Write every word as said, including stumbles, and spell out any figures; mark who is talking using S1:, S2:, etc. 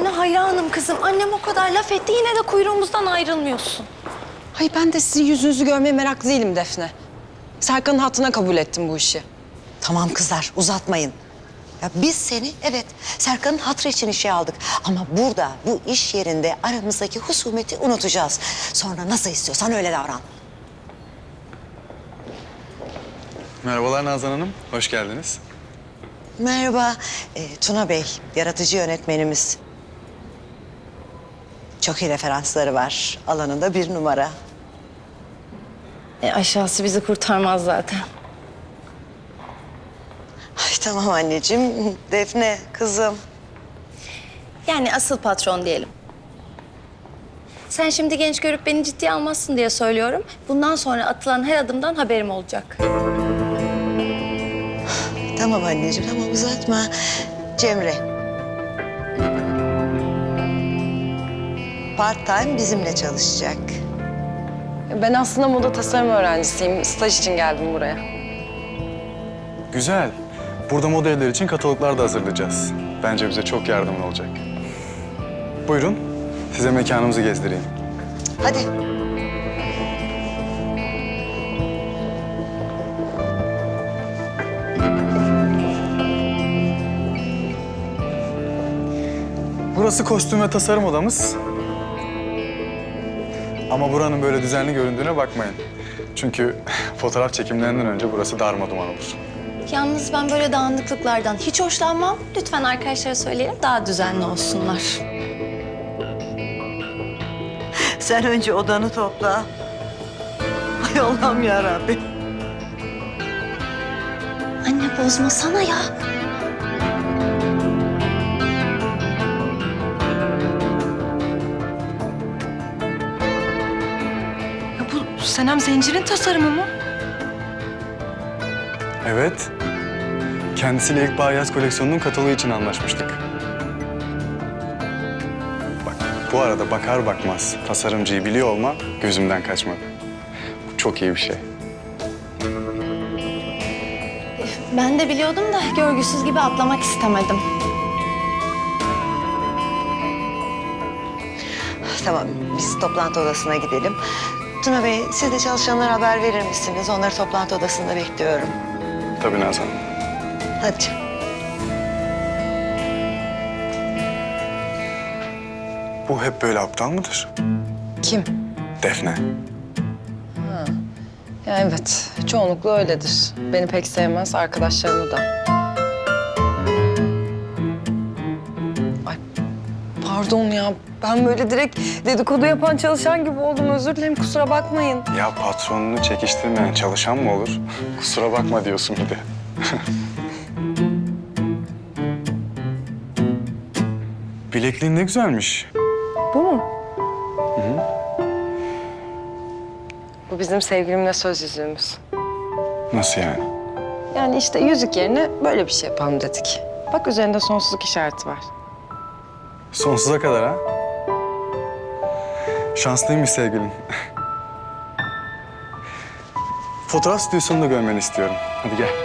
S1: Sana hayranım kızım. Annem o kadar laf etti yine de kuyruğumuzdan ayrılmıyorsun.
S2: Hayır ben de sizin yüzünüzü görmeye meraklı değilim Defne. Serkan'ın hattına kabul ettim bu işi.
S3: Tamam kızlar, uzatmayın. Ya biz seni, evet, Serkan'ın hatırı için işe aldık. Ama burada, bu iş yerinde aramızdaki husumeti unutacağız. Sonra nasıl istiyorsan öyle davran.
S4: Merhabalar Nazan Hanım, hoş geldiniz.
S3: Merhaba, ee, Tuna Bey, yaratıcı yönetmenimiz. Çok iyi referansları var. Alanında bir numara.
S1: E, aşağısı bizi kurtarmaz zaten.
S3: Ay tamam anneciğim. Defne, kızım.
S1: Yani asıl patron diyelim. Sen şimdi genç görüp beni ciddiye almazsın diye söylüyorum. Bundan sonra atılan her adımdan haberim olacak.
S3: Tamam anneciğim, tamam uzatma. Cemre. Part time bizimle çalışacak.
S2: Ben aslında moda tasarım öğrencisiyim. Staj için geldim buraya.
S4: Güzel. Burada moda evleri için kataloglar da hazırlayacağız. Bence bize çok yardımcı olacak. Buyurun, size mekanımızı gezdireyim.
S3: Hadi.
S4: Burası kostüm ve tasarım odamız. Ama buranın böyle düzenli göründüğüne bakmayın. Çünkü fotoğraf çekimlerinden önce burası darmaduman olur.
S1: Yalnız ben böyle dağınıklıklardan hiç hoşlanmam. Lütfen arkadaşlara söyleyelim daha düzenli olsunlar.
S3: Sen önce odanı topla. Ay Allah'ım yarabbim.
S1: Anne bozmasana ya.
S2: Ya bu Senem Zincir'in tasarımı mı?
S4: Evet. Kendisiyle ilk bahar yaz koleksiyonunun kataloğu için anlaşmıştık. Bak, bu arada bakar bakmaz tasarımcıyı biliyor olma gözümden kaçmadı. Bu çok iyi bir şey.
S1: Ben de biliyordum da görgüsüz gibi atlamak istemedim.
S3: Tamam, biz toplantı odasına gidelim. Tuna Bey, siz de çalışanlara haber verir misiniz? Onları toplantı odasında bekliyorum.
S4: Tabii Nazan Hanım.
S3: Hadi canım.
S4: Bu hep böyle aptal mıdır?
S2: Kim?
S4: Defne.
S2: Ya evet, çoğunlukla öyledir. Beni pek sevmez, arkadaşlarımı da. Ay pardon ya, ben böyle direkt dedikodu yapan çalışan gibi oldum. Özür dilerim, kusura bakmayın.
S4: Ya patronunu çekiştirmeyen çalışan mı olur? Kusura bakma diyorsun bir de. Bilekliğin ne güzelmiş.
S2: Bu mu? Bu bizim sevgilimle söz yüzüğümüz.
S4: Nasıl yani?
S2: Yani işte yüzük yerine böyle bir şey yapalım dedik. Bak üzerinde sonsuzluk işareti var.
S4: Sonsuza kadar ha? Şanslıymış sevgilin. Fotoğraf stüdyosunu da görmeni istiyorum. Hadi gel.